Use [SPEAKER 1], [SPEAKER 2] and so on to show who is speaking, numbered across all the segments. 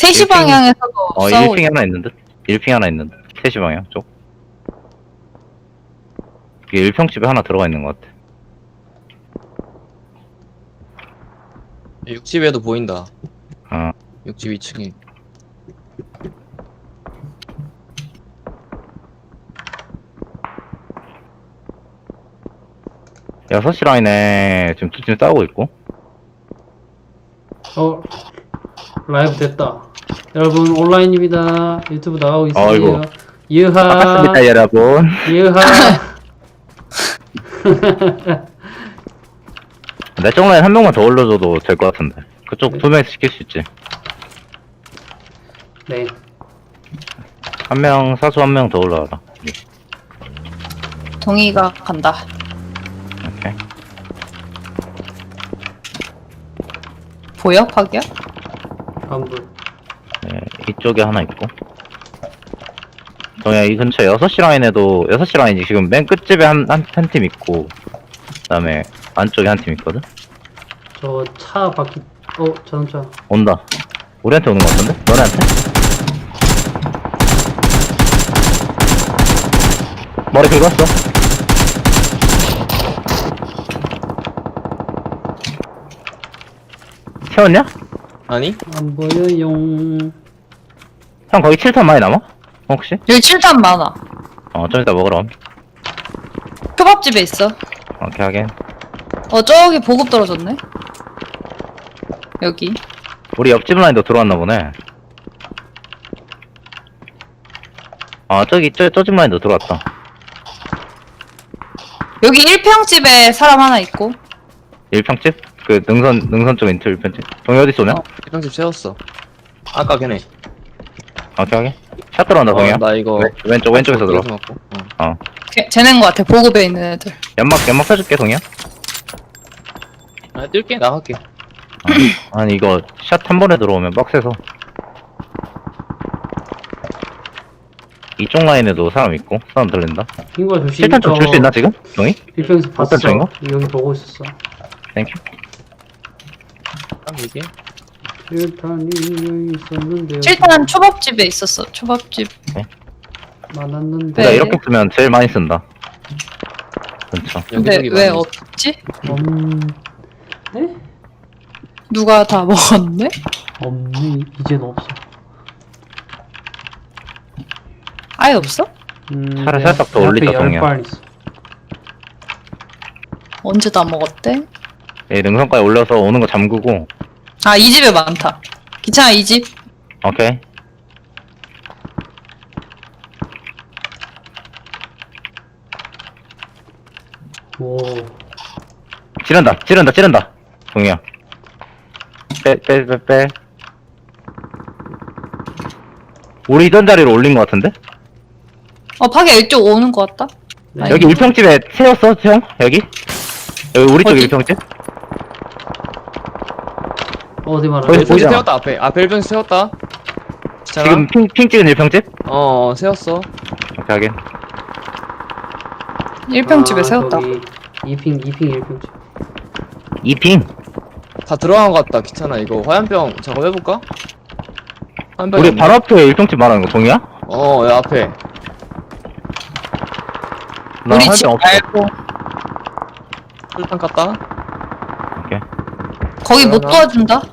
[SPEAKER 1] 3시
[SPEAKER 2] 1핑.
[SPEAKER 1] 방향에서도 싸우고
[SPEAKER 2] 1핑 하나 있는 듯? 1핑 하나 있는 듯? 3시 방향 쪽? 이게 1평집에 하나 들어가 있는 것 같아.
[SPEAKER 3] 60에도 보인다.
[SPEAKER 2] 어.
[SPEAKER 3] 60 2층에.
[SPEAKER 2] 여섯 시 라인에 지금 두 팀 싸우고 있고.
[SPEAKER 4] 라이브 됐다. 여러분 온라인입니다. 유튜브 나가고 있어요.
[SPEAKER 2] 어이구.
[SPEAKER 4] 유하.
[SPEAKER 2] 반갑습니다, 여러분.
[SPEAKER 4] 유하.
[SPEAKER 2] 내 쪽 라인 한 명만 더 올려줘도 될 것 같은데. 그쪽
[SPEAKER 4] 네.
[SPEAKER 2] 2명에서 시킬 수 있지.
[SPEAKER 4] 네.
[SPEAKER 2] 한 명, 사수 한 명 더 올라와라.
[SPEAKER 1] 동의가 간다.
[SPEAKER 2] 오케이.
[SPEAKER 1] 보여? 파기야?
[SPEAKER 4] 안불.
[SPEAKER 2] 네, 이쪽에 하나 있고. 동야, 이 근처 6시 라인에도, 6시 라인이 지금 맨 끝집에 한 팀 있고, 그 다음에 안쪽에 한 팀 있거든?
[SPEAKER 4] 저 차 바퀴. 자동차.
[SPEAKER 2] 온다. 우리한테 오는 것 같은데? 너네한테? 머리 긁었어. 채웠냐?
[SPEAKER 3] 아니?
[SPEAKER 4] 안 보여요.
[SPEAKER 2] 형 거기 7탄 많이 남아? 혹시?
[SPEAKER 1] 여기 7탄 많아.
[SPEAKER 2] 좀 이따 먹으러.
[SPEAKER 1] 초밥집에 있어.
[SPEAKER 2] 오케이, 하긴.
[SPEAKER 1] 저기 보급 떨어졌네. 여기.
[SPEAKER 2] 우리 옆집 라인도 들어왔나 보네. 저 집 라인도 들어왔다.
[SPEAKER 1] 여기 1평집에 사람 하나 있고.
[SPEAKER 2] 1평집? 그 능선 쪽 인트 1평집. 동이 어디 쏘냐?
[SPEAKER 3] 1평집 세웠어. 아까 걔네.
[SPEAKER 2] 오케이, 하긴. 샷 들어온다, 동이야.
[SPEAKER 3] 나 이거.
[SPEAKER 2] 왼쪽에서 들어.
[SPEAKER 3] 맞고.
[SPEAKER 1] 쟤네인 것 같아. 보급에 있는 애들.
[SPEAKER 2] 연막 펴줄게, 동이야.
[SPEAKER 3] 뛸게, 나갈게.
[SPEAKER 2] 아니, 이거 샷 한 번에 들어오면 빡세서. 이쪽 라인에도 사람 있고, 사람 들린다.
[SPEAKER 4] 핑과 조심.
[SPEAKER 2] 실탄 좀 줄 수 있나, 지금? 동이?
[SPEAKER 4] 빌평에서 봤어.
[SPEAKER 2] 쪽인가?
[SPEAKER 4] 여기 보고 있었어.
[SPEAKER 2] 땡큐.
[SPEAKER 3] 딱 이게.
[SPEAKER 4] 실탄이 여기 있었는데.
[SPEAKER 1] 7탄 초밥집에 있었어. 초밥집.
[SPEAKER 4] 많았는데.
[SPEAKER 2] 내가
[SPEAKER 1] 네.
[SPEAKER 2] 이렇게 쓰면 제일 많이 쓴다. 그렇죠.
[SPEAKER 1] 근데
[SPEAKER 3] 여기저기
[SPEAKER 1] 왜
[SPEAKER 3] 많이
[SPEAKER 1] 없지?
[SPEAKER 4] 네?
[SPEAKER 1] 누가 다 먹었네?
[SPEAKER 4] 없네. 이젠 없어.
[SPEAKER 1] 아예 없어?
[SPEAKER 2] 차를
[SPEAKER 4] 내
[SPEAKER 2] 살짝 더
[SPEAKER 4] 앞에
[SPEAKER 2] 올리자,
[SPEAKER 4] 10발 있어.
[SPEAKER 1] 언제 다 먹었대?
[SPEAKER 2] 이 능선까지 올려서 오는 거 잠그고.
[SPEAKER 1] 아, 이 집에 많다. 기차야, 이 집.
[SPEAKER 2] 오케이.
[SPEAKER 4] 오.
[SPEAKER 2] 찌른다. 동이야. 빼. 우리 있던 자리로 올린 거 같은데?
[SPEAKER 1] 파기야, 이쪽 오는 것 같다.
[SPEAKER 4] 네.
[SPEAKER 2] 여기 1평집에 세웠어, 형? 여기 우리 쪽
[SPEAKER 1] 어디?
[SPEAKER 2] 1평집?
[SPEAKER 4] 어디 말하는
[SPEAKER 2] 거기
[SPEAKER 4] 거야?
[SPEAKER 3] 1평집
[SPEAKER 2] 보이잖아.
[SPEAKER 3] 세웠다, 앞에. 앞에 1평집 세웠다. 자,
[SPEAKER 2] 지금 핑 찍은 1평집?
[SPEAKER 3] 세웠어.
[SPEAKER 2] 오케이, 하긴.
[SPEAKER 1] 1평집에 세웠다.
[SPEAKER 4] 저기 2핑 1평집.
[SPEAKER 2] 2핑?
[SPEAKER 3] 다 들어간 것 같다. 귀찮아. 이거 화염병 작업해볼까? 화염병.
[SPEAKER 2] 우리 바로 앞에 1평집 말하는 거 동이야?
[SPEAKER 3] 야, 앞에.
[SPEAKER 2] 나
[SPEAKER 1] 우리
[SPEAKER 2] 할
[SPEAKER 1] 집
[SPEAKER 2] 병 없어.
[SPEAKER 1] 말고.
[SPEAKER 3] 술탄 깠다.
[SPEAKER 2] 오케이.
[SPEAKER 1] 거기 못
[SPEAKER 3] 그러나?
[SPEAKER 1] 도와준다?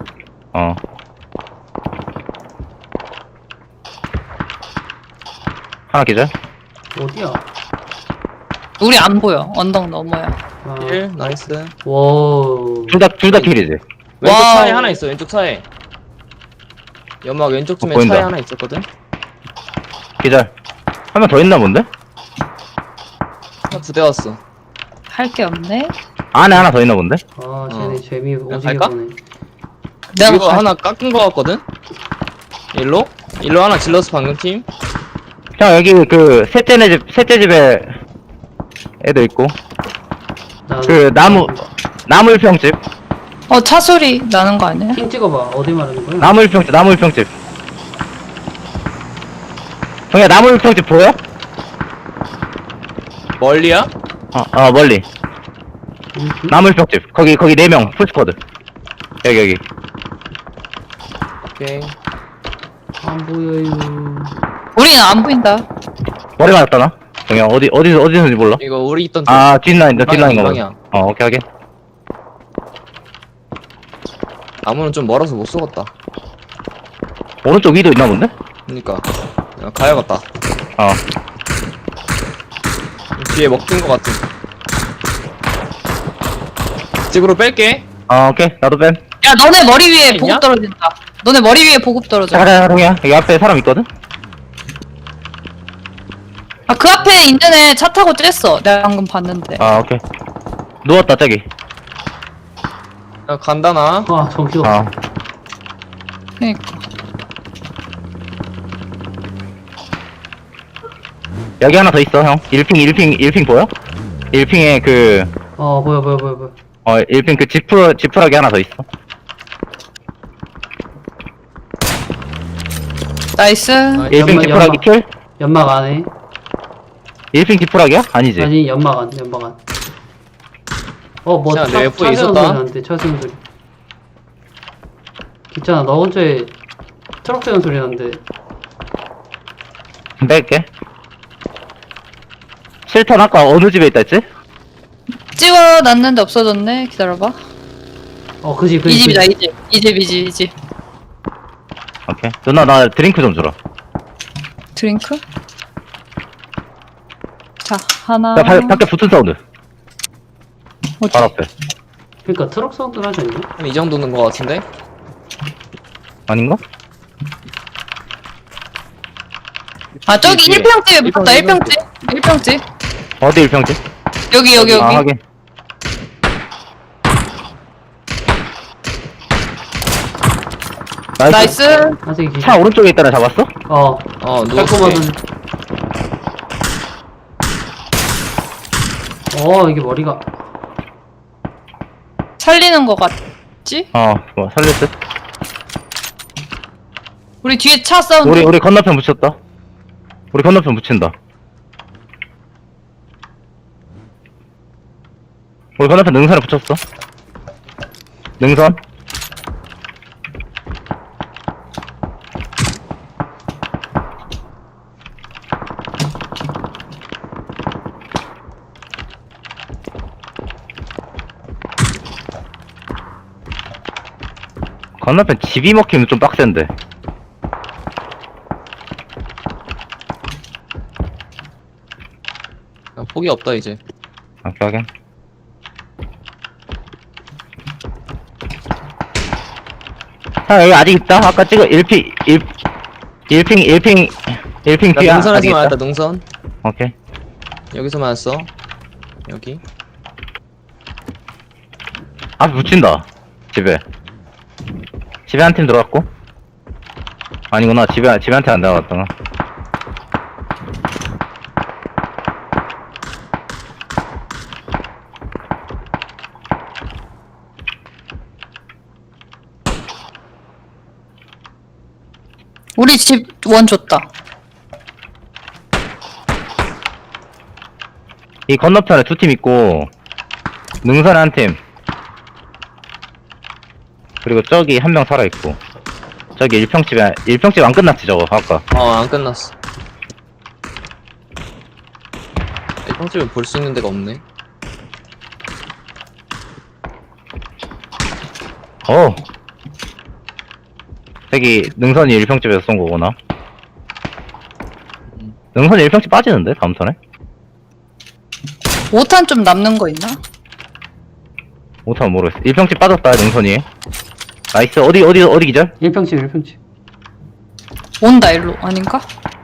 [SPEAKER 2] 하나 기절?
[SPEAKER 4] 어디야?
[SPEAKER 1] 우리 안 보여. 언덕 너머야.
[SPEAKER 3] 1, 나이스.
[SPEAKER 4] 와우.
[SPEAKER 2] 둘 다 킬이지?
[SPEAKER 3] 왼쪽
[SPEAKER 1] 와우.
[SPEAKER 3] 차에 하나 있어, 왼쪽 차에. 연막 왼쪽쯤에
[SPEAKER 2] 보인다.
[SPEAKER 3] 차에 하나 있었거든?
[SPEAKER 2] 기절. 한 명 더 있나 본데?
[SPEAKER 3] 하나 2대 왔어.
[SPEAKER 1] 할 게 없네.
[SPEAKER 2] 안에 하나 더 있나 본데?
[SPEAKER 4] 쟤네 재미 오지게
[SPEAKER 3] 갈까?
[SPEAKER 4] 보네.
[SPEAKER 1] 내가
[SPEAKER 3] 이거 하나 깎은 거 같거든? 일로 하나 질러서 방금 팀.
[SPEAKER 2] 형, 여기 셋째 집에 애도 있고. 나무 1평집.
[SPEAKER 1] 차 소리 나는 거 아니야?
[SPEAKER 4] 핑 찍어봐. 어디 말하는 거야?
[SPEAKER 2] 나무 1평집. 동이야, 나무 1평집 보여?
[SPEAKER 3] 멀리야?
[SPEAKER 2] 멀리. 나무 1평집. 거기 4명, 풀스쿼드. 여기.
[SPEAKER 3] 오케이.
[SPEAKER 4] 안 보여요.
[SPEAKER 1] 우리는 안 보인다.
[SPEAKER 2] 머리 맞았다 나? 정영 어디서인지 몰라.
[SPEAKER 3] 이거 우리 있던 쪽.
[SPEAKER 2] 아 뒷라인이다 뒷라인인 거
[SPEAKER 3] 방향.
[SPEAKER 2] 오케이 오케이.
[SPEAKER 3] 나무는 좀 멀어서 못 쏘겠다.
[SPEAKER 2] 오른쪽 위도 있나 본데?
[SPEAKER 3] 그니까 가야겠다.
[SPEAKER 2] 어
[SPEAKER 3] 뒤에 먹힌 것 같은. 집으로 뺄게.
[SPEAKER 2] 오케이 나도 뺨.
[SPEAKER 1] 야, 너네 머리 위에
[SPEAKER 3] 있냐?
[SPEAKER 1] 보급 떨어진다. 너네 머리 위에 보급 떨어져.
[SPEAKER 2] 가자 동이야 여기 앞에 사람 있거든?
[SPEAKER 1] 아, 그 앞에 있는 애 차 타고 쬐어. 내가 방금 봤는데.
[SPEAKER 2] 아 오케이 누웠다 저기.
[SPEAKER 3] 야, 간다 나.
[SPEAKER 4] 아, 정신없어.
[SPEAKER 2] 어
[SPEAKER 1] 그니까.
[SPEAKER 2] 여기 하나 더 있어 형. 1핑 보여? 1핑에 그
[SPEAKER 4] 보여.
[SPEAKER 2] 1핑 그 지푸라기 하나 더 있어.
[SPEAKER 1] 나이스.
[SPEAKER 2] 1핑
[SPEAKER 4] 연막,
[SPEAKER 2] 지푸라기
[SPEAKER 4] 연막.
[SPEAKER 2] 킬?
[SPEAKER 4] 연막 안에.
[SPEAKER 2] 1핑 지푸라기야? 아니지.
[SPEAKER 4] 아니, 연막 안. 뭐,
[SPEAKER 3] 자, 내 F에
[SPEAKER 4] 차 세운
[SPEAKER 3] 있었다.
[SPEAKER 4] 소리 나는데, 차 세운 소리. 기차나, 너 근처에 트럭 세운 소리 나는데.
[SPEAKER 2] 뺄게. 실탄 아까 어느 집에 있다 했지?
[SPEAKER 1] 찍어놨는데 없어졌네. 기다려봐.
[SPEAKER 4] 그지.
[SPEAKER 1] 이 집이다, 이 집.
[SPEAKER 2] 오케이. 누나 나 드링크 좀 주라.
[SPEAKER 1] 드링크? 자, 하나.
[SPEAKER 2] 야 밖에 붙은 사운드.
[SPEAKER 1] 어디?
[SPEAKER 2] 바로 앞에.
[SPEAKER 4] 그니까 트럭 사운드 나지 않냐?
[SPEAKER 3] 한 이 정도는 것 같은데.
[SPEAKER 2] 아닌가?
[SPEAKER 1] 아, 저기
[SPEAKER 3] 뒤에.
[SPEAKER 1] 1평집에 붙었다,
[SPEAKER 3] 1평집.
[SPEAKER 1] 1평집.
[SPEAKER 2] 어디 1평지?
[SPEAKER 1] 여기.
[SPEAKER 2] 아 확인. 나이스.
[SPEAKER 1] 나이스.
[SPEAKER 4] 아직 기차.
[SPEAKER 2] 차 오른쪽에 있다는 잡았어?
[SPEAKER 3] 누웠어.
[SPEAKER 4] 이게 머리가.
[SPEAKER 1] 살리는 거 같지?
[SPEAKER 2] 뭐 살릴 듯.
[SPEAKER 1] 우리 뒤에 차 사운드.
[SPEAKER 2] 우리 건너편 붙였다. 우리 건너편 붙인다. 우리 건너편 능선에 붙였어. 능선. 건너편 집이 먹히면 좀 빡센데.
[SPEAKER 3] 폭이 없다 이제.
[SPEAKER 2] 오케이 확인. 여기 아직 있다. 아까 찍어 1핑
[SPEAKER 3] 나
[SPEAKER 2] 뒤에
[SPEAKER 3] 능선에서
[SPEAKER 2] 아직 있다.
[SPEAKER 3] 맞았다. 능선.
[SPEAKER 2] 오케이.
[SPEAKER 3] 여기서 맞았어. 여기.
[SPEAKER 2] 앞에 붙인다. 집에 한 팀 들어갔고. 아니구나. 집에 한 팀 안 들어갔구나.
[SPEAKER 1] 우리 집 원 줬다.
[SPEAKER 2] 이 건너편에 두 팀 있고 능선에 한 팀. 그리고 저기 한 명 살아있고. 저기 1평집 안 끝났지 저거 아까.
[SPEAKER 3] 안 끝났어. 이 평집에 볼 수 있는 데가 없네.
[SPEAKER 2] 저기 능선이 1평집에서 쏜 거구나. 능선이 1평집 빠지는데 다음 턴에?
[SPEAKER 1] 5탄 좀 남는 거 있나?
[SPEAKER 2] 못하면 모르겠어. 1평집 빠졌다 능선이. 나이스. 어디 기절?
[SPEAKER 4] 1평집.
[SPEAKER 1] 온다, 일로. 아닌가?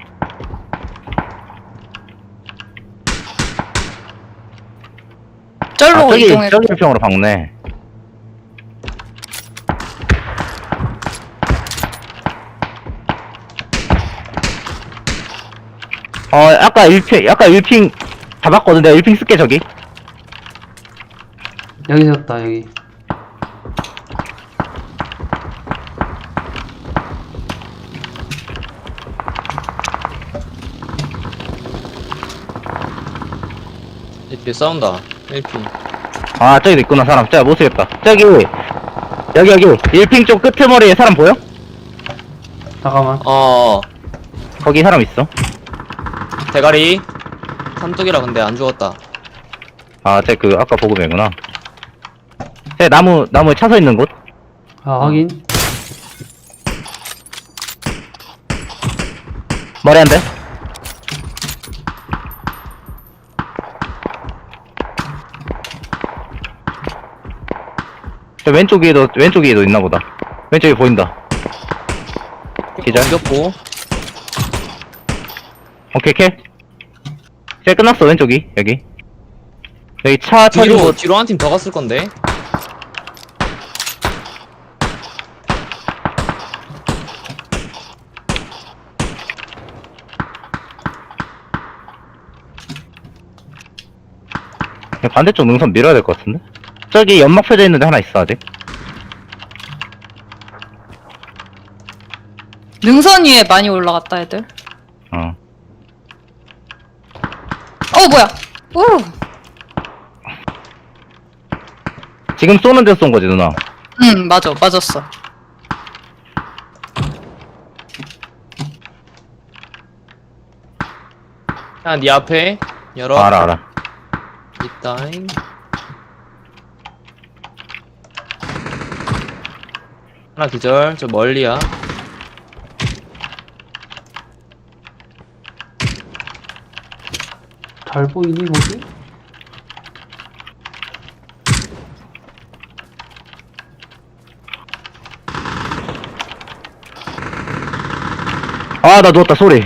[SPEAKER 1] 쩔로
[SPEAKER 2] 저기
[SPEAKER 1] 이동했고.
[SPEAKER 2] 1평으로 박네. 아까 1핑 잡았거든. 내가 1핑 쓸게 저기.
[SPEAKER 4] 여기 섰다, 여기.
[SPEAKER 3] 이 뒤에 싸운다. 1피.
[SPEAKER 2] 저기도 있구나 사람. 진짜 못쓰겠다. 여기 1핑 쪽 끄트머리에 사람 보여?
[SPEAKER 4] 잠깐만.
[SPEAKER 2] 거기 사람 있어.
[SPEAKER 3] 대가리. 삼뚝이라 근데 안 죽었다.
[SPEAKER 2] 아, 쟤 그 아까 보급이구나. 쟤 나무에 차서 있는 곳.
[SPEAKER 4] 아, 확인.
[SPEAKER 2] 머리 한 대. 저 왼쪽에도 있나 보다. 왼쪽에 보인다. 기절.
[SPEAKER 3] 죽였고.
[SPEAKER 2] 오케이, 킬. 쟤 끝났어, 왼쪽이. 여기 차 터진 곳.
[SPEAKER 3] 뒤로 한 팀 더 갔을 건데.
[SPEAKER 2] 반대쪽 능선 밀어야 될 것 같은데? 저기 연막 펴져 있는데 하나 있어, 아직.
[SPEAKER 1] 능선 위에 많이 올라갔다 애들.
[SPEAKER 2] 어.
[SPEAKER 1] 뭐야? 오.
[SPEAKER 2] 지금 쏘는 데서 쏜 거지, 누나?
[SPEAKER 1] 응, 맞았어.
[SPEAKER 3] 야, 네 앞에 열어.
[SPEAKER 2] 알아.
[SPEAKER 3] 있다잉. 하나 기절. 저 멀리야.
[SPEAKER 4] 잘 보이니, 거기?
[SPEAKER 2] 아, 나 누웠다, 소리.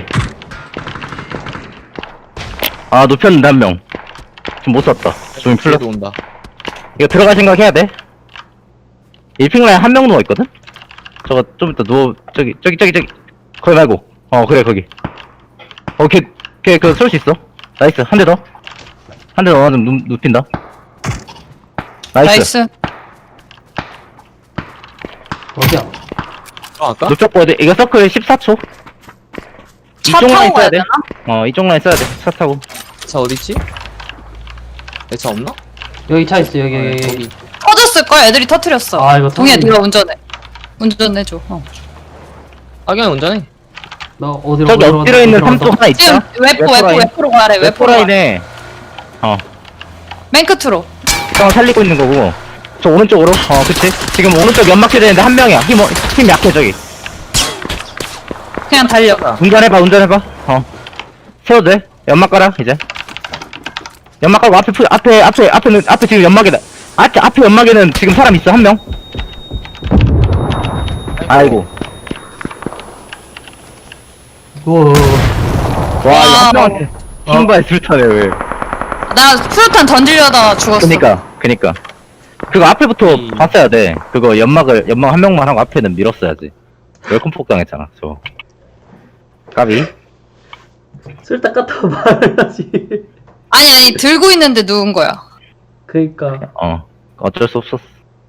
[SPEAKER 2] 아, 눕혔는데, 한 명. 지금 못 쐈다. 좀 풀렸어.
[SPEAKER 3] 뒤에도 온다.
[SPEAKER 2] 이거 들어갈 생각 해야 돼. 1핑 라인 한 명 누워있거든? 저거 좀 이따 저기. 거기 말고. 그래, 거기. 걔 쏠 수 있어. 나이스. 한 대 더. 한 대 더 맞으면 눕힌다. 나이스.
[SPEAKER 4] 어디야?
[SPEAKER 3] 들어갈까?
[SPEAKER 2] 눕혔고, 이거 서클 14초.
[SPEAKER 1] 차
[SPEAKER 2] 이쪽 라인
[SPEAKER 1] 타고 가야
[SPEAKER 2] 써야 돼.
[SPEAKER 1] 되나?
[SPEAKER 2] 이쪽 라인 써야 돼. 차 타고.
[SPEAKER 3] 차 어딨지? 내 차 없나?
[SPEAKER 4] 여기 차 있어, 여기.
[SPEAKER 3] 저기.
[SPEAKER 1] 터졌을걸? 애들이 터트렸어.
[SPEAKER 4] 아, 이거
[SPEAKER 1] 동해
[SPEAKER 4] 터졌네.
[SPEAKER 1] 네가 운전해줘.
[SPEAKER 3] 악영이 운전해.
[SPEAKER 4] 너 어디로
[SPEAKER 2] 저기
[SPEAKER 4] 어디로
[SPEAKER 2] 엎드려 있는
[SPEAKER 4] 어디로
[SPEAKER 2] 삼쪽 하나
[SPEAKER 1] 지금
[SPEAKER 2] 있다.
[SPEAKER 1] 웨포로 가래. 웨포로 가래.
[SPEAKER 2] 웨포라인에
[SPEAKER 1] 맨 끝으로.
[SPEAKER 2] 형 살리고 있는 거고. 저 오른쪽으로. 그치. 지금 오른쪽 연막해야 되는데 한 명이야. 힘 약해, 저기.
[SPEAKER 1] 그냥 달려.
[SPEAKER 2] 운전해봐. 세워도 돼. 연막 깔아, 이제. 연막 깔고 앞에 지금 연막에다. 앞에 연막에는 지금 사람 있어, 한 명. 아이고.
[SPEAKER 4] 우와.
[SPEAKER 2] 와, 이거 한
[SPEAKER 1] 와.
[SPEAKER 2] 명한테 신발 술타네, 왜.
[SPEAKER 1] 나 프로탄 던지려다가 죽었어.
[SPEAKER 2] 그니까. 그거 앞에부터
[SPEAKER 3] 이-
[SPEAKER 2] 봤어야 돼. 그거 연막 한 명만 하고 앞에는 밀었어야지. 웰컴 폭 당했잖아, 저. 까비?
[SPEAKER 4] 쓸데 같아 말해야지.
[SPEAKER 1] 아니 들고 있는데 누운 거야.
[SPEAKER 4] 그니까.
[SPEAKER 2] 어쩔 수 없었어.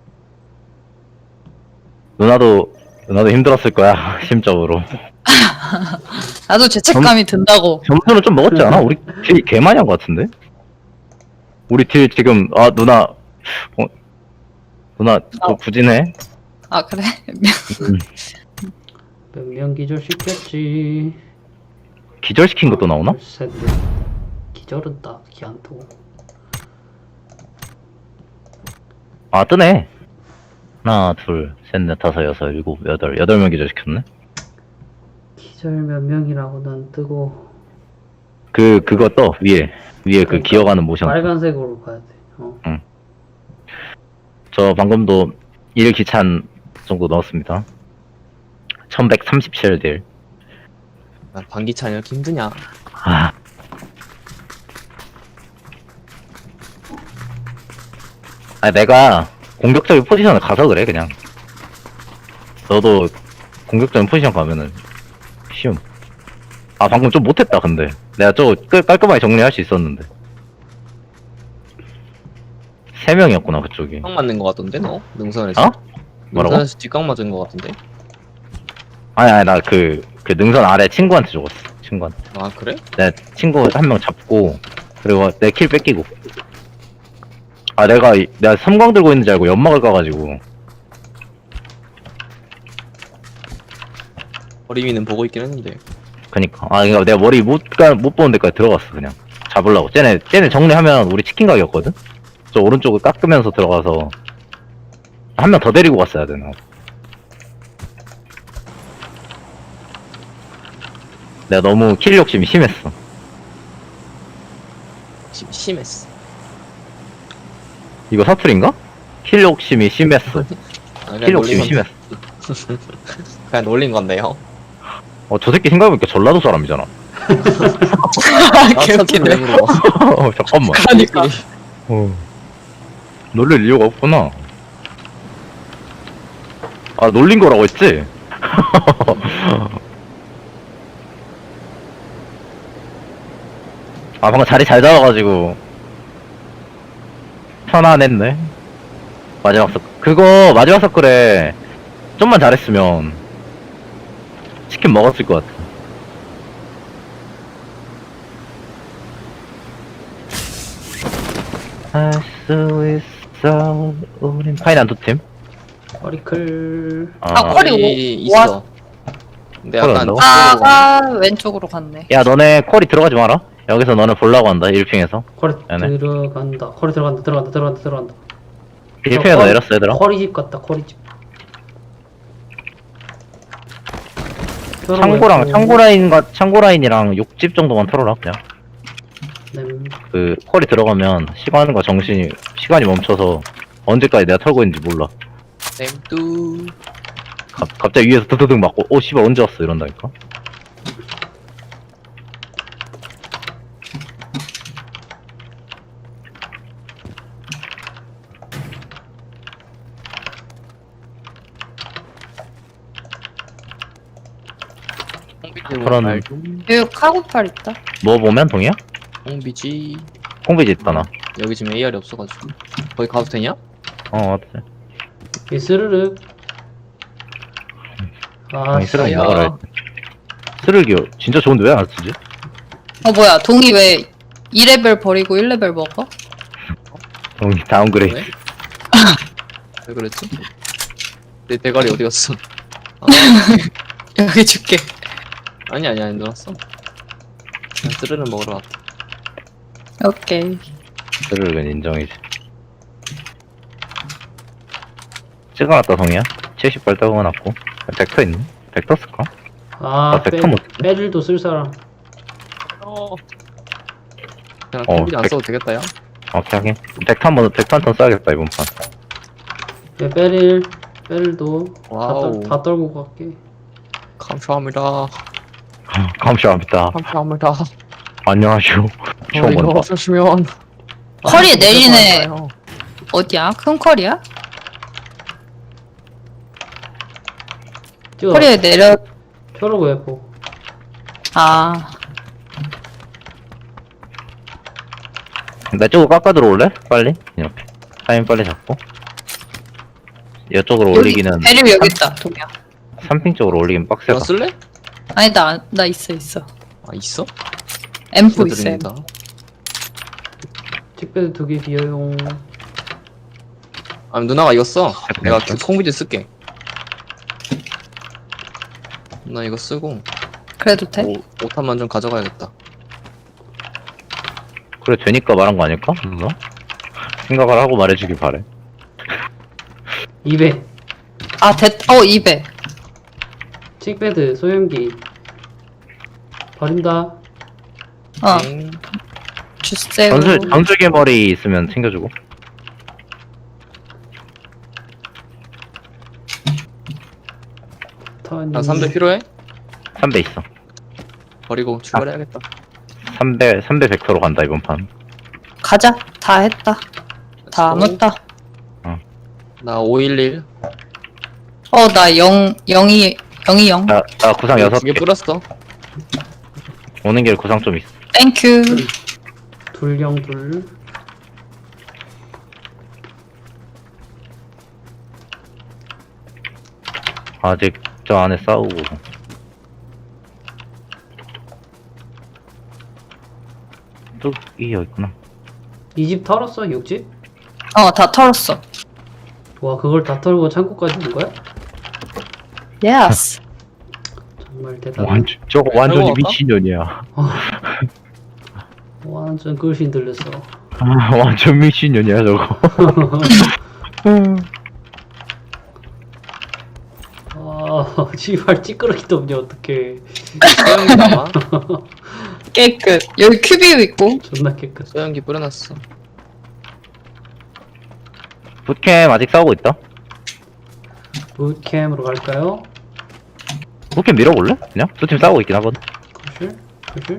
[SPEAKER 2] 누나도 힘들었을 거야, 심적으로.
[SPEAKER 1] 나도 죄책감이 든다고.
[SPEAKER 2] 점수는 좀 먹었지 않아? 우리 딜 개 많이 한 거 같은데? 우리 딜 지금, 누나 좀 부진해?
[SPEAKER 1] 아 그래?
[SPEAKER 4] 몇 명 기절시켰지.
[SPEAKER 2] 기절시킨 것도 나오나?
[SPEAKER 4] 셋. 기절은 딱히 안 뜨고.
[SPEAKER 2] 뜨네. 하나, 둘, 셋, 넷, 다섯, 여섯, 일곱, 여덟 명 기절시켰네?
[SPEAKER 4] 기절 몇 명이라고는 안 뜨고.
[SPEAKER 2] 그거 떠, 위에 그
[SPEAKER 4] 그러니까
[SPEAKER 2] 기어가는 모션.
[SPEAKER 4] 빨간색으로 가야 돼.
[SPEAKER 2] 저 방금도 1기찬 정도 넣었습니다. 1137딜.
[SPEAKER 3] 나 반기찬 이렇게 힘드냐?
[SPEAKER 2] 내가 공격적인 포지션을 가서 그래, 그냥. 너도 공격적인 포지션 가면은 쉬움. 방금 좀 못했다, 근데. 내가 저거 깔끔하게 정리할 수 있었는데. 3명이었구나, 그쪽이.
[SPEAKER 3] 뒷각 맞는 거 같던데 너? 능선에서?
[SPEAKER 2] 뭐라고?
[SPEAKER 3] 능선에서 뒷각 맞은 거 같은데?
[SPEAKER 2] 아니, 나 그 능선 아래 친구한테 죽었어, 친구한테.
[SPEAKER 3] 아 그래?
[SPEAKER 2] 내 친구 한 명 잡고, 그리고 내 킬 뺏기고. 내가 섬광 들고 있는 줄 알고 연막을 까가지고.
[SPEAKER 3] 어림이는 보고 있긴 했는데.
[SPEAKER 2] 그니까. 아, 그니까 내가 머리 못 보는 데까지 들어갔어, 그냥. 잡으려고. 쟤네 정리하면 우리 치킨 가게였거든? 저 오른쪽을 깎으면서 들어가서. 한 명 더 데리고 갔어야 되나. 내가 너무 킬 욕심이 심했어.
[SPEAKER 3] 심했어.
[SPEAKER 2] 이거 사투리인가? 킬 욕심이 심했어.
[SPEAKER 3] 아,
[SPEAKER 2] 킬 욕심이 심했어.
[SPEAKER 3] 그냥 놀린 건데요.
[SPEAKER 2] 저 새끼 생각해보니까 전라도 사람이잖아.
[SPEAKER 1] 개웃기네.
[SPEAKER 2] 잠깐만.
[SPEAKER 1] 그러니까.
[SPEAKER 2] 놀릴 이유가 없구나. 아, 놀린 거라고 했지? 아, 방금 자리 잘 잡아가지고. 편안했네. 마지막 마지막 서클에 좀만 잘했으면 치킨 먹었을 것 같아. 할 수 있어, 우린. 파이난 두 팀?
[SPEAKER 4] 머리클.
[SPEAKER 1] 쿼리
[SPEAKER 3] 있어. 근데 약간
[SPEAKER 2] 쿼리
[SPEAKER 1] 아가 왼쪽으로 갔네.
[SPEAKER 2] 야, 너네 쿼리 들어가지 마라. 여기서 너네 보려고 한다, 1핑에서.
[SPEAKER 4] 쿼리
[SPEAKER 2] 네네.
[SPEAKER 4] 들어간다. 쿼리 들어간다.
[SPEAKER 2] 1핑에서 내렸어, 얘들아.
[SPEAKER 4] 쿼리 집 같다. 쿼리 집.
[SPEAKER 2] 창고 라인이랑 욕집 정도만 털어라, 그냥. 쿼리 들어가면 시간이 멈춰서 언제까지 내가 털고 있는지 몰라.
[SPEAKER 3] 쌤뚜.
[SPEAKER 2] 갑자기 위에서 드드득 맞고, 씨발, 언제 왔어? 이런다니까. 그런-
[SPEAKER 1] 여기 카고팔 있다.
[SPEAKER 2] 뭐 보면, 동이야?
[SPEAKER 3] 홍비지.
[SPEAKER 2] 콩비지 있다, 나.
[SPEAKER 3] 여기 지금 AR이 없어가지고. 거기 가도 되냐?
[SPEAKER 2] 어때?
[SPEAKER 4] 이 스르륵.
[SPEAKER 2] 아니, 쓰레기
[SPEAKER 3] 야.
[SPEAKER 2] 먹어라. 쓰레기 진짜 좋은데 왜 안 쓰지?
[SPEAKER 1] 뭐야, 동이 왜 2레벨 버리고 1레벨 먹어?
[SPEAKER 2] 동이 다운그레이드.
[SPEAKER 3] 왜? 왜 그랬지? 내 대가리 어디 갔어? 아,
[SPEAKER 1] 여기 줄게.
[SPEAKER 3] 아니 늘었어. 그냥 쓰르는 먹으러 왔다.
[SPEAKER 1] 오케이.
[SPEAKER 2] 쓰레기는 인정이지. 찍어놨다, 동이야. 70발 떠어놨고. 벡터 있니? 벡터 쓸까? 벡터 못 쓰네.
[SPEAKER 4] 빼릴도 쓸 사람.
[SPEAKER 3] 그냥
[SPEAKER 2] 어,
[SPEAKER 3] 컴퓨터 안 써도 되겠다, 야.
[SPEAKER 2] 오케이, 하긴. 벡터 한 턴 써야겠다, 이번 판.
[SPEAKER 4] 빼릴도
[SPEAKER 3] 와우.
[SPEAKER 4] 다 떨고 갈게.
[SPEAKER 3] 감사합니다.
[SPEAKER 2] 감사합니다.
[SPEAKER 3] 감사합니다.
[SPEAKER 2] 안녕하쇼. 처음
[SPEAKER 3] 이거
[SPEAKER 2] 본다.
[SPEAKER 3] 없으시면.
[SPEAKER 1] 쿼리에 내리네.
[SPEAKER 3] 감사해요.
[SPEAKER 1] 어디야? 큰 쿼리야?
[SPEAKER 4] 뛰어.
[SPEAKER 1] 쿼리에 내려.
[SPEAKER 4] 펴라고 해보.
[SPEAKER 1] 아,
[SPEAKER 2] 내 쪽으로 깎아 들어올래? 빨리? 이렇게. 타임 빨리 잡고. 이쪽으로 올리기는,
[SPEAKER 1] 배류 여기 있다, 동이야.
[SPEAKER 2] 3핑 쪽으로 올리긴 빡세다.
[SPEAKER 3] 너 쓸래?
[SPEAKER 1] 아니, 나 있어.
[SPEAKER 3] 아, 있어?
[SPEAKER 1] M4 있어.
[SPEAKER 3] 축하드립니다.
[SPEAKER 4] 틱배드 2개 비어용.
[SPEAKER 3] 아니, 누나가 이거 써. 내가
[SPEAKER 2] 됐어.
[SPEAKER 3] 콩비지 쓸게. 나 이거 쓰고
[SPEAKER 1] 그래도 돼?
[SPEAKER 3] 5탄만 좀 가져가야겠다.
[SPEAKER 2] 그래, 되니까 말한 거 아닐까? 누나? 생각을 하고 말해주길 바래.
[SPEAKER 4] 200.
[SPEAKER 1] 아, 200.
[SPEAKER 4] 틱배드 소형기. 버린다.
[SPEAKER 1] 어,
[SPEAKER 3] 엥.
[SPEAKER 1] 주세요.
[SPEAKER 2] 전술개 머리 있으면 챙겨주고.
[SPEAKER 3] 나 300 필요해?
[SPEAKER 2] 3배 있어.
[SPEAKER 3] 버리고 출발해야겠다.
[SPEAKER 2] 3배 100%로 간다, 이번 판.
[SPEAKER 1] 가자. 다 했다. 다
[SPEAKER 3] Let's go.
[SPEAKER 1] 묻다.
[SPEAKER 3] 나 511.
[SPEAKER 1] 나 020.
[SPEAKER 2] 나 구상
[SPEAKER 3] 2개
[SPEAKER 2] 6개.
[SPEAKER 3] 뿌렸어.
[SPEAKER 2] 오는 길 구상 좀 있어.
[SPEAKER 1] 땡큐.
[SPEAKER 4] 둘.
[SPEAKER 2] 아직 저 안에 싸우고. 뚝이 여기 있구나.
[SPEAKER 4] 이 집 털었어? 6집?
[SPEAKER 1] 다 털었어.
[SPEAKER 4] 와, 그걸 다 털고 창고까지 온 거야?
[SPEAKER 1] 예스.
[SPEAKER 4] 정말 대단.
[SPEAKER 2] 저거 완전히
[SPEAKER 3] 할거 같다?
[SPEAKER 2] 미친년이야.
[SPEAKER 4] 완전 글씨 들렸어.
[SPEAKER 2] 아, 완전 미친년이야 저거.
[SPEAKER 4] 아, 씨발 찌끄러기도 없냐 어떡해.
[SPEAKER 3] 소형기 남아?
[SPEAKER 1] 깨끗. 여기 큐비우 있고.
[SPEAKER 4] 존나 깨끗.
[SPEAKER 3] 소형기 뿌려놨어.
[SPEAKER 2] 붓캠 아직 싸우고 있다.
[SPEAKER 4] 붓캠으로 갈까요?
[SPEAKER 2] 붓캠 밀어볼래? 그냥? 두 팀 싸우고 있긴 하거든.
[SPEAKER 4] 구실? 구실?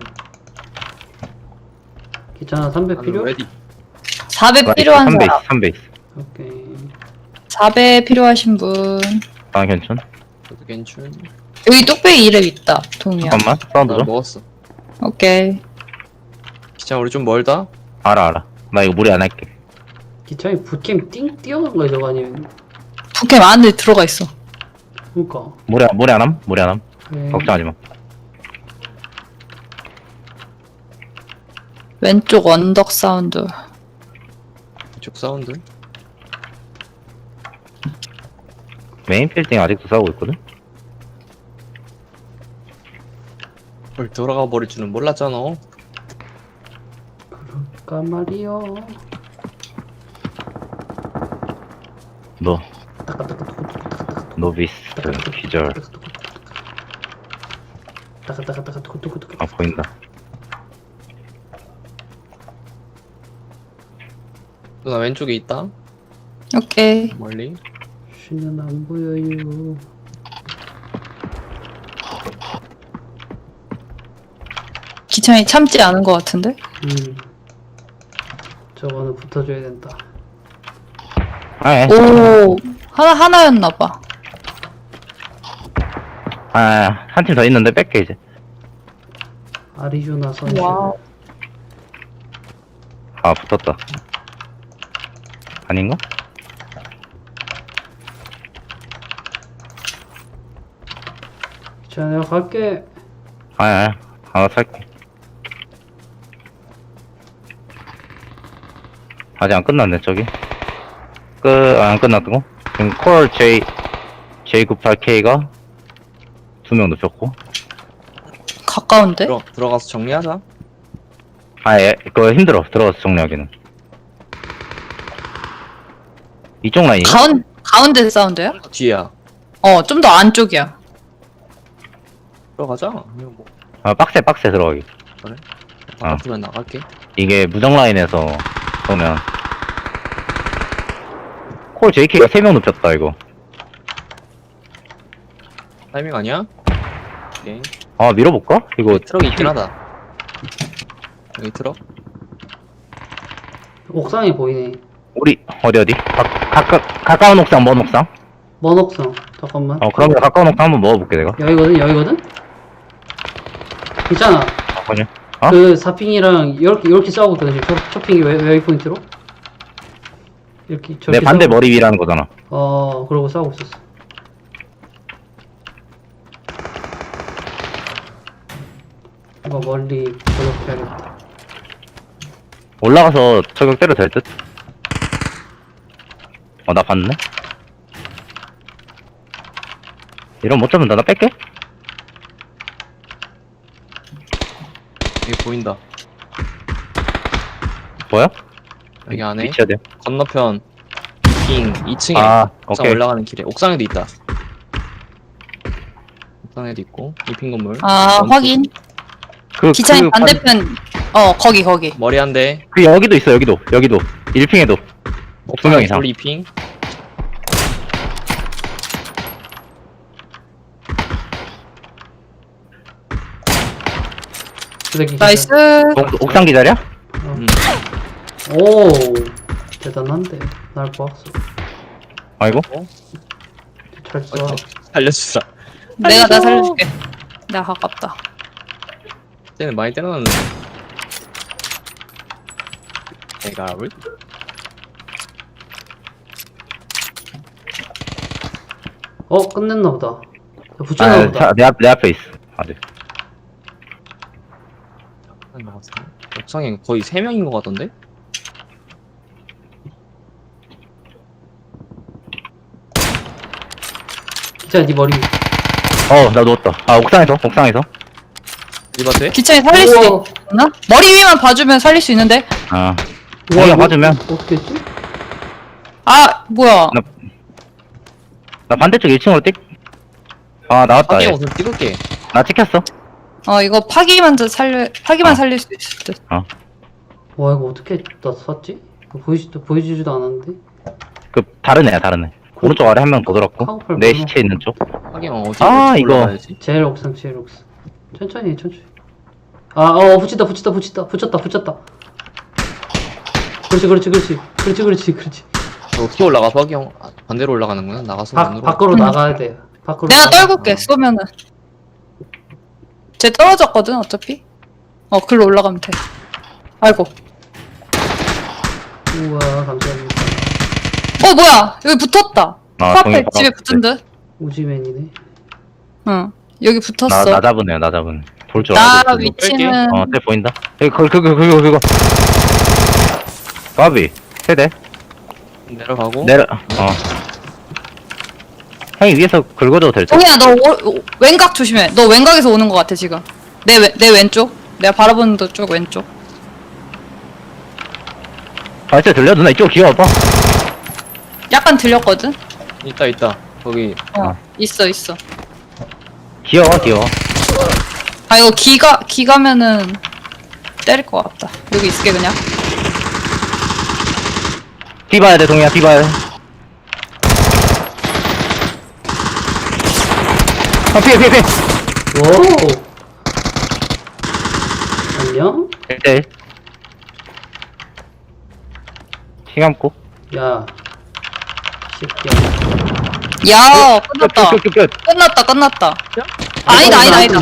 [SPEAKER 4] 괜찮아, 300 필요?
[SPEAKER 3] 레디.
[SPEAKER 1] 4배 필요한
[SPEAKER 2] 3베이스
[SPEAKER 1] 사람.
[SPEAKER 2] 3베이스.
[SPEAKER 4] 오케이.
[SPEAKER 1] 4배 필요하신 분.
[SPEAKER 2] 아 괜찮.
[SPEAKER 3] 저도 괜춘.
[SPEAKER 1] 여기 뚝배기 이름 있다. 동이야.
[SPEAKER 2] 잠깐만 사운드
[SPEAKER 3] 나
[SPEAKER 2] 좀.
[SPEAKER 3] 먹었어.
[SPEAKER 1] 오케이.
[SPEAKER 3] 기차 우리 좀 멀다?
[SPEAKER 2] 알아. 나 이거 무리 안 할게.
[SPEAKER 4] 기차에 붓캠 띵 뛰어간 거야 저거 아니면?
[SPEAKER 1] 북캠 안에 들어가 있어.
[SPEAKER 4] 그니까.
[SPEAKER 2] 무리 안 함.
[SPEAKER 4] 네.
[SPEAKER 2] 걱정하지 마.
[SPEAKER 1] 왼쪽 언덕 사운드.
[SPEAKER 3] 이쪽 사운드.
[SPEAKER 2] 메인 빌딩 아직도 싸우고 있거든.
[SPEAKER 3] 뭘 돌아가 버릴 줄은 몰랐잖아.
[SPEAKER 4] 그럴까 말이요.
[SPEAKER 2] 너 노비스트 기절. 아 보인다.
[SPEAKER 3] 누나 왼쪽에 있다.
[SPEAKER 1] 오케이.
[SPEAKER 3] 멀리.
[SPEAKER 4] 쉬는 안 보여요.
[SPEAKER 1] 기창이 참지 않은 것 같은데?
[SPEAKER 4] 저거는 붙어줘야 된다.
[SPEAKER 2] 아,
[SPEAKER 1] 오, 하나였나봐.
[SPEAKER 2] 한 팀 더 있는데 뺄게 이제.
[SPEAKER 4] 아리조나 선수.
[SPEAKER 1] 와우.
[SPEAKER 2] 아 붙었다. 아닌가?
[SPEAKER 4] 자, 내가 갈게.
[SPEAKER 2] 하나 살게. 아직 안 끝났네 저기. 안 끝났고 지금 콜 J98K가 2명 눕혔고.
[SPEAKER 1] 가까운데?
[SPEAKER 3] 들어가서 정리하자.
[SPEAKER 2] 그거 힘들어 들어가서 정리하기는. 이쪽 라인이
[SPEAKER 1] 가운데 사운드야?
[SPEAKER 3] 뒤야.
[SPEAKER 1] 좀 더 안쪽이야.
[SPEAKER 3] 들어가자. 이거 뭐
[SPEAKER 2] 빡세 들어가기.
[SPEAKER 3] 바깥으면 나갈게.
[SPEAKER 2] 이게 무정 라인에서 보면 콜 JK가 3명 눕혔다 이거.
[SPEAKER 3] 타이밍 아니야? 오케이.
[SPEAKER 2] 밀어볼까? 이거
[SPEAKER 3] 트럭이 있긴 하다. 여기 트럭.
[SPEAKER 4] 옥상에 보이네.
[SPEAKER 2] 우리 어디? 가까운 옥상 먼 옥상?
[SPEAKER 4] 먼 옥상. 잠깐만.
[SPEAKER 2] 그러면 가까운 옥상 한번 먹어볼게 내가.
[SPEAKER 4] 여기거든? 괜찮아.
[SPEAKER 2] 그냥
[SPEAKER 4] 그 사핑이랑 이렇게 싸우고 있거든. 지금 초핑이 웨이포인트로. 이렇게
[SPEAKER 2] 내 반대
[SPEAKER 4] 싸우고.
[SPEAKER 2] 머리 위라는 거잖아.
[SPEAKER 4] 그러고 싸우고 있었어. 이거 멀리 저격해야겠다.
[SPEAKER 2] 올라가서 저격 때려도 될 듯? 나 봤네? 이러면 못 잡는다. 나 뺄게?
[SPEAKER 3] 여기 보인다.
[SPEAKER 2] 뭐야?
[SPEAKER 3] 여기 안에
[SPEAKER 2] 위치야 돼.
[SPEAKER 3] 건너편 빙 2층에 옥상
[SPEAKER 2] 오케이.
[SPEAKER 3] 올라가는 길에 옥상에도 있다. 옥상에도 있고 이핑 건물.
[SPEAKER 1] 확인. 기창이 반대편. 거기.
[SPEAKER 3] 머리 한 대.
[SPEAKER 2] 여기도 있어, 여기도. 1핑에도. 2명 이상.
[SPEAKER 3] 우리 이핑.
[SPEAKER 1] 나이스.
[SPEAKER 2] 옥상 기다려?
[SPEAKER 4] 오, 대단한데. 날 보았어.
[SPEAKER 2] 아이고.
[SPEAKER 4] 잘 써.
[SPEAKER 3] 살려주자.
[SPEAKER 1] 내가 나 살려줄게. 내가 가깝다.
[SPEAKER 3] 쟤는 많이 때려놨는데. 내가 왜?
[SPEAKER 4] 끝냈나 보다. 붙였나 보다.
[SPEAKER 2] 내 앞에 있어. 네.
[SPEAKER 3] 옥상에 거의 3명인 것 같던데?
[SPEAKER 4] 기차 네 머리.
[SPEAKER 2] 나 누웠다. 아, 옥상에서.
[SPEAKER 3] 리바트에?
[SPEAKER 1] 기차에 살릴 수
[SPEAKER 4] 우와.
[SPEAKER 1] 있나? 머리 위만 봐주면 살릴 수 있는데?
[SPEAKER 2] 아,
[SPEAKER 4] 우와,
[SPEAKER 2] 자기가
[SPEAKER 4] 이거
[SPEAKER 2] 봐주면.
[SPEAKER 4] 어떻게 했지?
[SPEAKER 1] 아, 뭐야.
[SPEAKER 2] 나 반대쪽 1층으로 나왔다.
[SPEAKER 3] 하긴
[SPEAKER 2] 얘.
[SPEAKER 3] 옷을 찍을게.
[SPEAKER 2] 나 찍혔어.
[SPEAKER 1] 이거 파기만 살릴 수 있을 듯.
[SPEAKER 4] 와, 이거 어떻게 나 샀지? 이거 보여주지도 않았는데.
[SPEAKER 2] 다른 애야. 오른쪽 아래 한 명 더 들었고.
[SPEAKER 4] 카우팔
[SPEAKER 2] 내
[SPEAKER 4] 보여.
[SPEAKER 2] 시체 있는 쪽.
[SPEAKER 3] 하긴 어디
[SPEAKER 2] 아, 이거.
[SPEAKER 3] 올라가야지?
[SPEAKER 4] 제일 옥상. 천천히. 붙였다. 그렇지.
[SPEAKER 3] 저 어떻게 올라가? 박이 형 반대로 올라가는구나. 나가서 안으로.
[SPEAKER 4] 밖으로 나가야 돼. 밖으로.
[SPEAKER 1] 내가
[SPEAKER 4] 나가.
[SPEAKER 1] 떨굴게, 쏘면은. 쟤 떨어졌거든, 어차피. 글로 올라가면 돼. 아이고.
[SPEAKER 4] 우와, 감사합니다.
[SPEAKER 1] 뭐야! 여기 붙었다.
[SPEAKER 2] 아,
[SPEAKER 1] 코앞에 집에 붙은 듯.
[SPEAKER 4] 우지맨이네.
[SPEAKER 1] 응. 여기 붙었어.
[SPEAKER 2] 나 잡으네. 볼 줄
[SPEAKER 1] 나
[SPEAKER 2] 알고.
[SPEAKER 1] 위치는.
[SPEAKER 2] 쟤 보인다. 그거. 까비. 세대.
[SPEAKER 3] 내려가고.
[SPEAKER 2] 형이 위에서 긁어줘도 될 듯.
[SPEAKER 1] 동이야, 너 왼각 조심해. 너 왼각에서 오는 것 같아, 지금. 내 왼쪽. 내가 바라보는 쪽 왼쪽.
[SPEAKER 2] 발소리 들려? 누나 이쪽 기어와봐.
[SPEAKER 1] 약간 들렸거든?
[SPEAKER 3] 있다. 거기
[SPEAKER 1] 있어.
[SPEAKER 2] 기어와.
[SPEAKER 1] 아, 이거 기가면은 때릴 것 같다. 여기 있을게, 그냥.
[SPEAKER 2] 비 봐야 돼, 동이야. 비 봐야 돼. 피해.
[SPEAKER 4] 오. 안녕?
[SPEAKER 2] 1대1. 피 감고.
[SPEAKER 4] 야. 새끼야.
[SPEAKER 1] 야, 끝났다.
[SPEAKER 2] 끝.
[SPEAKER 1] 끝났다. 아니다.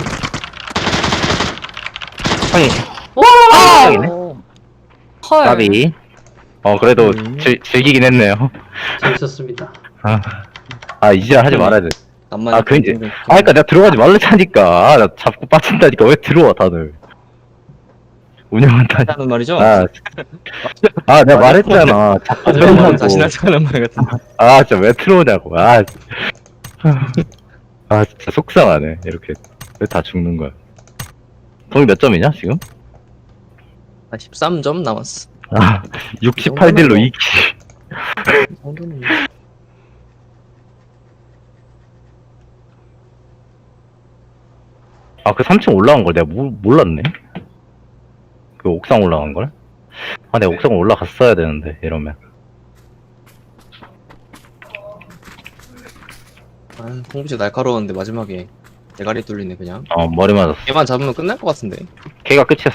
[SPEAKER 2] 형이,
[SPEAKER 1] 아!
[SPEAKER 2] 형이네.
[SPEAKER 1] 헐.
[SPEAKER 2] 까비. 그래도 즐기긴 했네요.
[SPEAKER 4] 재밌었습니다.
[SPEAKER 2] 이제 하지 말아야 돼.
[SPEAKER 3] 남만.
[SPEAKER 2] 그니까 내가 들어가지 말랬다니까. 나 잡고 빠진다니까. 왜 들어와, 다들. 운영한다니.
[SPEAKER 3] 하는 말이죠?
[SPEAKER 2] 내가 말했잖아. 자꾸 들어오냐고.
[SPEAKER 3] 자신하지 않은 말 같은데.
[SPEAKER 2] 진짜 왜 들어오냐고. 진짜 속상하네. 이렇게. 왜 다 죽는 거야. 동이 몇 점이냐, 지금?
[SPEAKER 3] 13점 남았어.
[SPEAKER 2] 68딜로 2킬.
[SPEAKER 3] 정도는.
[SPEAKER 2] 그 3층 올라간 걸 내가 몰랐네. 그 옥상 올라간 걸? 내가 옥상 올라갔어야 되는데, 이러면.
[SPEAKER 3] 홍구씨 날카로웠는데 마지막에 대가리 뚫리네 그냥.
[SPEAKER 2] 머리 맞았어.
[SPEAKER 3] 얘만 잡으면 끝날 것 같은데.
[SPEAKER 2] 걔가 끝이었어.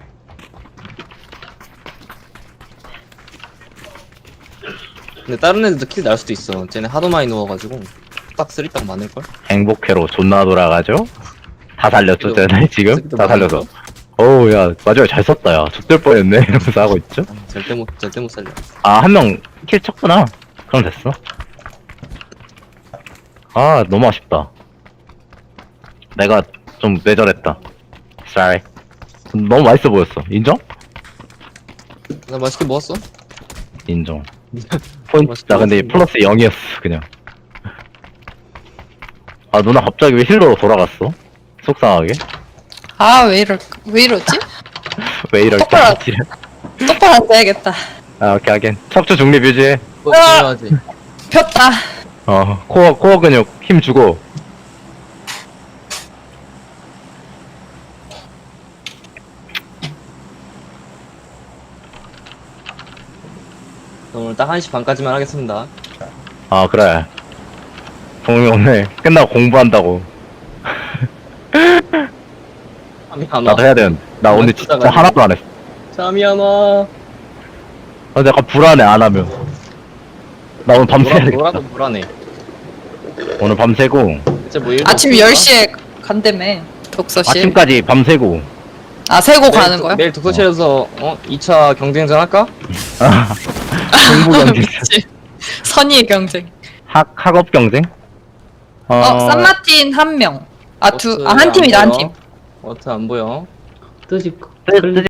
[SPEAKER 3] 근데 다른 애들도 킬 날 수도 있어. 쟤네 하도 많이 누워가지고 딱 쓰리딱 많을걸?
[SPEAKER 2] 행복회로 존나 돌아가죠? 다 살렸죠, 쟤네 지금?
[SPEAKER 3] 새끼도
[SPEAKER 2] 다 살려서.
[SPEAKER 3] 많을걸?
[SPEAKER 2] 야, 마지막에 잘 썼다, 야. 죽될 뻔했네. 이러면서 하고 있죠?
[SPEAKER 3] 절대 못 살려.
[SPEAKER 2] 한 명 킬 쳤구나. 그럼 됐어. 너무 아쉽다. 내가 좀 뇌절했다. Sorry. 너무 맛있어 보였어. 인정?
[SPEAKER 3] 나 맛있게 먹었어?
[SPEAKER 2] 인정. 포인트, 나 근데 플러스 0이었어, 그냥. 누나 갑자기 왜 힐러로 돌아갔어? 속상하게?
[SPEAKER 1] 왜 이러지?
[SPEAKER 2] 왜 이럴까?
[SPEAKER 1] 똑바로. 똑바로 앉아야겠다.
[SPEAKER 2] 오케이, 하긴. 척추 중립 유지해.
[SPEAKER 3] 중요하지.
[SPEAKER 1] 폈다.
[SPEAKER 2] 코어 근육 힘 주고.
[SPEAKER 3] 오늘 딱 1시 반까지만 하겠습니다.
[SPEAKER 2] 그래. 동이 오늘 끝나고 공부한다고.
[SPEAKER 3] 잠이 안 와.
[SPEAKER 2] 나도 해야 되는데. 나 오늘 진짜 하나도 안 했어.
[SPEAKER 3] 잠이 안 와.
[SPEAKER 2] 약간 불안해, 안 하면. 나 오늘 밤새야 되겠다.
[SPEAKER 3] 뭐라도 불안해.
[SPEAKER 2] 오늘 밤새고,
[SPEAKER 3] 대체 뭐 일도
[SPEAKER 1] 아침
[SPEAKER 3] 없을까?
[SPEAKER 1] 10시에 간다며. 독서실.
[SPEAKER 2] 아침까지 밤새고.
[SPEAKER 1] 세고 가는 거야?
[SPEAKER 3] 내일 독서실에서 2차 경쟁전 할까?
[SPEAKER 2] 공부 경쟁.
[SPEAKER 1] 그치. 선의의 경쟁.
[SPEAKER 2] 학업 경쟁?
[SPEAKER 1] 산마틴 한 명. 한 팀이다, 한 팀.
[SPEAKER 3] 워트 안 보여.
[SPEAKER 4] 뜨지.
[SPEAKER 2] 뜨지